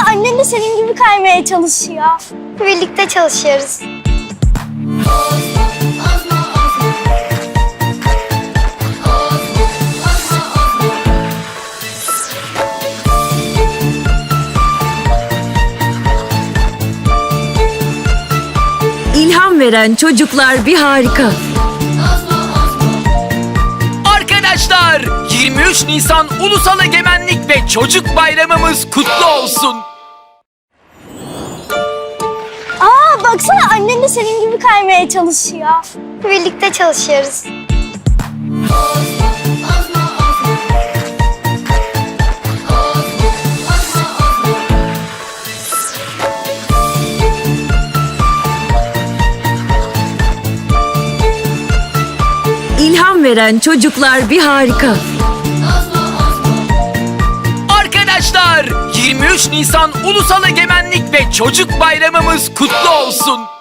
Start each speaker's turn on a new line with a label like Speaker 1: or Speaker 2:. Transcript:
Speaker 1: annen de senin gibi kaymaya çalışıyor. Birlikte çalışıyoruz.
Speaker 2: İlham veren çocuklar bir harika.
Speaker 3: Arkadaşlar 23 Nisan Ulusal Egemenlik ve Çocuk Bayramımız kutlu olsun.
Speaker 1: Baksana annen de senin gibi kaymaya çalışıyor. Birlikte çalışıyoruz.
Speaker 2: İlham veren çocuklar bir harika.
Speaker 3: Arkadaşlar 23 Nisan Ulusal Egemenlik ve Çocuk Bayramımız kutlu olsun.